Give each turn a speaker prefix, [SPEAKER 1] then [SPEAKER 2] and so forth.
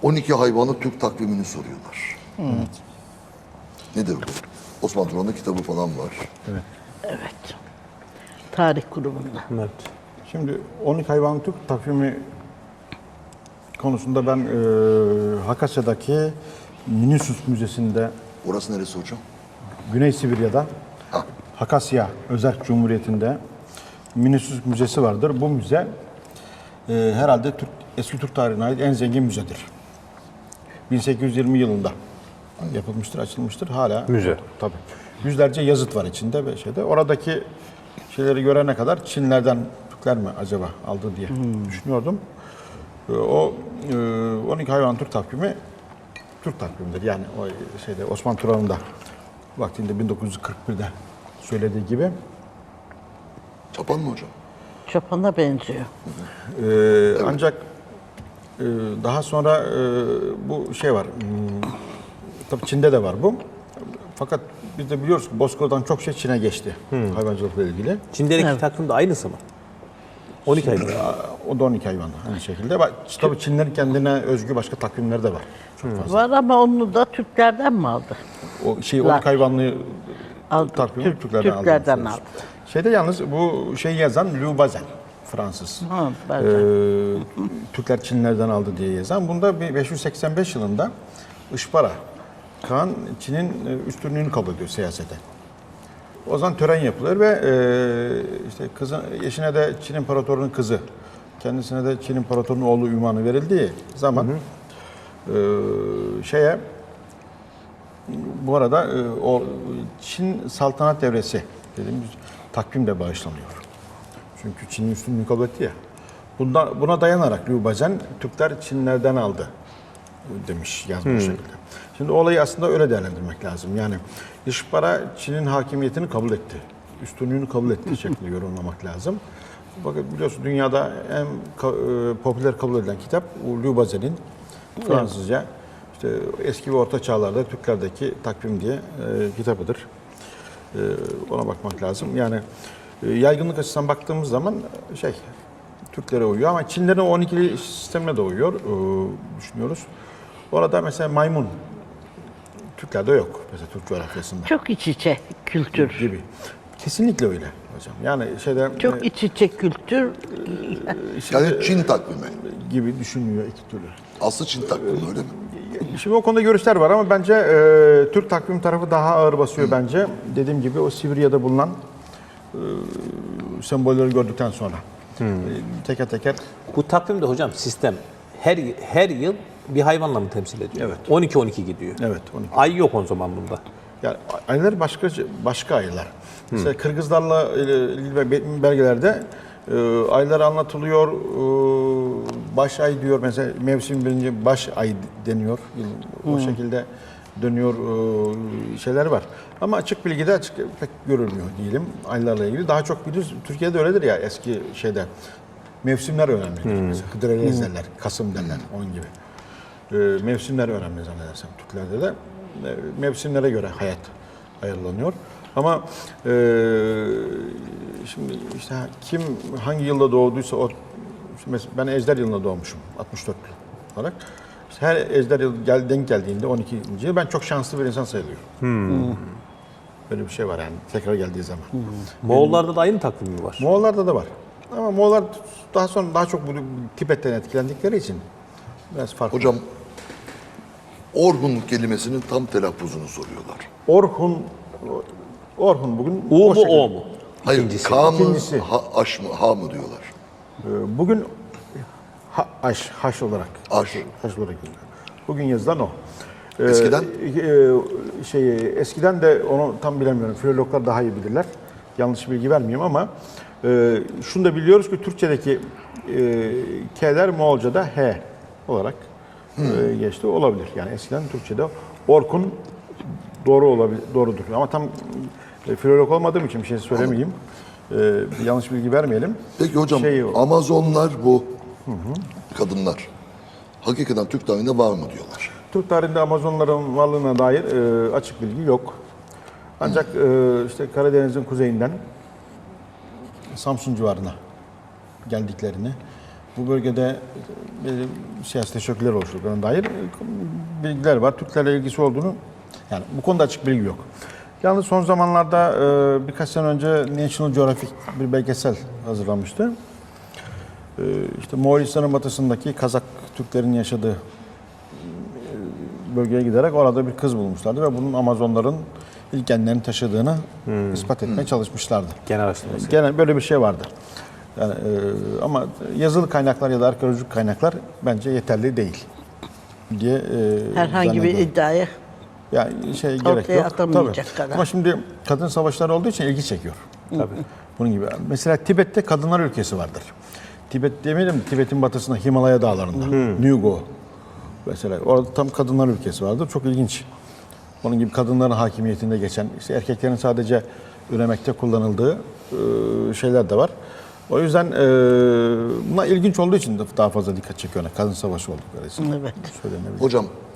[SPEAKER 1] 12 hayvanı Türk takvimini soruyorlar.
[SPEAKER 2] Evet.
[SPEAKER 1] Nedir bu? Osman Turan'ın kitabı falan var.
[SPEAKER 2] Evet.
[SPEAKER 3] Evet. Tarih grubunda.
[SPEAKER 4] Evet.
[SPEAKER 2] Şimdi 12 hayvan Türk takvimi konusunda ben Hakasya'daki Minnesus Müzesi'nde,
[SPEAKER 1] Orası neresi hocam?
[SPEAKER 2] Güney Sibirya'da,
[SPEAKER 1] Ha.
[SPEAKER 2] Hakasya Özerk Cumhuriyeti'nde Minnesus Müzesi vardır. Bu müze herhalde eski Türk tarihine ait en zengin müzedir. 1820 yılında yapılmıştır, açılmıştır. Hala
[SPEAKER 4] Müze.
[SPEAKER 2] tabii. Yüzlerce yazıt var içinde ve şeyde. Oradaki şeyleri görene kadar Çinlerden Türkler mi acaba aldı diye düşünüyordum. O 12 hayvan Türk takvimi Türk takvimidir. Yani o şeyde Osman Turan'ın da vaktinde 1941'de söylediği gibi.
[SPEAKER 1] Çapan mı hocam?
[SPEAKER 3] Çapana benziyor.
[SPEAKER 2] Ancak daha sonra bu şey var. Tabii Çin'de de var bu. Fakat biz de biliyoruz ki Bozkır'dan çok şey Çin'e geçti hayvancılıkla ilgili.
[SPEAKER 4] Çin'deki
[SPEAKER 3] Evet.
[SPEAKER 4] takvim de aynısı mı? 12 hayvan.
[SPEAKER 2] O da 12 hayvan aynı şekilde. Tabii Çinlerin kendine özgü başka takvimleri de var. Çok fazla.
[SPEAKER 3] Var ama onu da Türklerden mi aldı?
[SPEAKER 2] O şey 12 hayvanlı
[SPEAKER 3] Aldı.
[SPEAKER 2] takvimi Türklerden aldı.
[SPEAKER 3] Türklerden aldı.
[SPEAKER 2] Şeyde yalnız bu şeyi yazan Louis Bazin, Fransız.
[SPEAKER 3] Ha, ben
[SPEAKER 2] Türkler Çinlerden aldı diye yazan. Bunda 585 yılında Işpara Kağan Çin'in üstünlüğünü kabul ediyor siyasete. O zaman tören yapılır ve işte kızın eşine de Çin İmparatorluğu'nun kızı, kendisine de Çin İmparatorluğu'nun oğlu ünvanı verildiği zaman bu arada o Çin saltanat devresi dediğimiz takvim de bağışlanıyor. Çünkü Çin'in üstünlüğünü kabul etti ya. Buna dayanarak Liu Bazhen Türkler Çinlerden aldı demiş, yazmış şekilde. Şimdi olayı aslında öyle değerlendirmek lazım. Yani İşbara Çin'in hakimiyetini kabul etti. Üstünlüğünü kabul ettiği şekilde yorumlamak lazım. Bakın biliyorsun dünyada en popüler kabul edilen kitap Liu Bazhen'in Fransızca işte eski ve orta çağlarda Türklerdeki takvim diye kitabıdır. Ona bakmak lazım. Yani yaygınlık açısından baktığımız zaman Türklere uyuyor ama Çinlerin o 12'li sistemine de uyuyor düşünüyoruz. Orada mesela maymun Türklerde yok. Mesela Türk coğrafyasında
[SPEAKER 3] çok iç içe kültür.
[SPEAKER 2] gibi. Kesinlikle öyle hocam. Yani
[SPEAKER 3] Çok iç içe kültür.
[SPEAKER 1] Yani Çin takvimi.
[SPEAKER 2] gibi düşünülüyor iki türlü.
[SPEAKER 1] Aslı Çin takvimi öyle mi?
[SPEAKER 2] Şimdi o konuda görüşler var ama bence Türk takvim tarafı daha ağır basıyor bence. Dediğim gibi o Sibirya'da bulunan sembolleri gördükten sonra teker teker
[SPEAKER 4] Bu takvimde hocam sistem her yıl bir hayvanla mı temsil ediyor?
[SPEAKER 2] Evet.
[SPEAKER 4] 12-12 gidiyor.
[SPEAKER 2] evet 12.
[SPEAKER 4] Ay yok o zaman bunda.
[SPEAKER 2] Yani aylar başka aylar. Mesela Kırgızlarla ilgili belgelerde aylar anlatılıyor. Baş ay diyor mesela mevsim birinci baş ay deniyor. O şekilde dönüyor şeyler var. Ama açık bilgide pek görülmüyor diyelim aylarla ilgili. Daha çok biliyoruz Türkiye'de öyledir ya eski şeyde. Mevsimler önemlidir. Mesela Hıdrellez derler, Kasım derler onun gibi. Mevsimler önemli zannedersem Türklerde de. Mevsimlere göre hayat ayarlanıyor. Ama şimdi işte kim hangi yılda doğduysa o ben Ejder yılında doğmuşum 64 olarak. İşte her Ejder yıl denk geldiğinde 12. yıl ben çok şanslı bir insan sayılıyorum. Böyle bir şey var yani tekrar geldiği zaman.
[SPEAKER 4] Moğollarda da aynı takvim mi var?
[SPEAKER 2] Moğollarda da var. Ama Moğollar daha çok bu Tibet'ten etkilendikleri için biraz farklı.
[SPEAKER 1] Hocam Orhun kelimesinin tam telaffuzunu soruyorlar.
[SPEAKER 2] Orhun bugün
[SPEAKER 4] U mu
[SPEAKER 2] şekilde.
[SPEAKER 4] O mu?
[SPEAKER 1] Hayır,
[SPEAKER 4] İkincisi.
[SPEAKER 1] K mı,
[SPEAKER 2] İkincisi.
[SPEAKER 1] Aş mı, Ha mı diyorlar.
[SPEAKER 2] Bugün haş olarak
[SPEAKER 1] Aş.
[SPEAKER 2] haş olarak yazılıyor. Bugün yazılan o.
[SPEAKER 1] Eskiden?
[SPEAKER 2] Eskiden de onu tam bilemiyorum. Filologlar daha iyi bilirler. Yanlış bilgi vermeyeyim ama şunu da biliyoruz ki Türkçedeki K'ler Moğolca'da H olarak geçti. Olabilir. Yani eskiden Türkçe'de Orkun doğrudur. Ama tam filolog olmadığım için bir şey söylemeyeyim. Yanlış bilgi vermeyelim.
[SPEAKER 1] Peki hocam Amazonlar bu kadınlar hakikaten Türk tarihinde var mı diyorlar.
[SPEAKER 2] Türk tarihinde Amazonların varlığına dair açık bilgi yok. Ancak işte Karadeniz'in kuzeyinden Samsun civarına geldiklerini bu bölgede siyasi teşekkürler oluşturduklarına dair bilgiler var. Türklerle ilgisi olduğunu, yani bu konuda açık bilgi yok. Yalnız son zamanlarda birkaç sene önce National Geographic bir belgesel hazırlamıştı. İşte Moğolistan'ın batısındaki Kazak Türklerin yaşadığı bölgeye giderek orada bir kız bulmuşlardı ve bunun Amazonların ilk genlerini taşıdığını ispat etmeye çalışmışlardı.
[SPEAKER 4] Genel araştırması.
[SPEAKER 2] Genel böyle bir şey vardır. Yani, ama yazılı kaynaklar ya da arkeolojik kaynaklar bence yeterli değil diye
[SPEAKER 3] herhangi bir
[SPEAKER 2] zannediyorum.
[SPEAKER 3] iddiaya
[SPEAKER 2] Yani gerek yok.
[SPEAKER 3] atamayacak
[SPEAKER 2] Tabii.
[SPEAKER 3] kadar.
[SPEAKER 2] Ama şimdi kadın savaşları olduğu için ilgi çekiyor.
[SPEAKER 4] Tabii.
[SPEAKER 2] Bunun gibi. Mesela Tibet'te kadınlar ülkesi vardır. Tibet demeyelim, Tibet'in batısında Himalaya dağlarında. Nügo. Mesela orada tam kadınlar ülkesi vardır. Çok ilginç. Onun gibi kadınların hakimiyetinde geçen, işte erkeklerin sadece üremekte kullanıldığı şeyler de var. O yüzden buna ilginç olduğu için de daha fazla dikkat çekiyor. Kadın savaşı oldukları için.
[SPEAKER 3] Evet.
[SPEAKER 2] Söylenebilir.
[SPEAKER 1] Hocam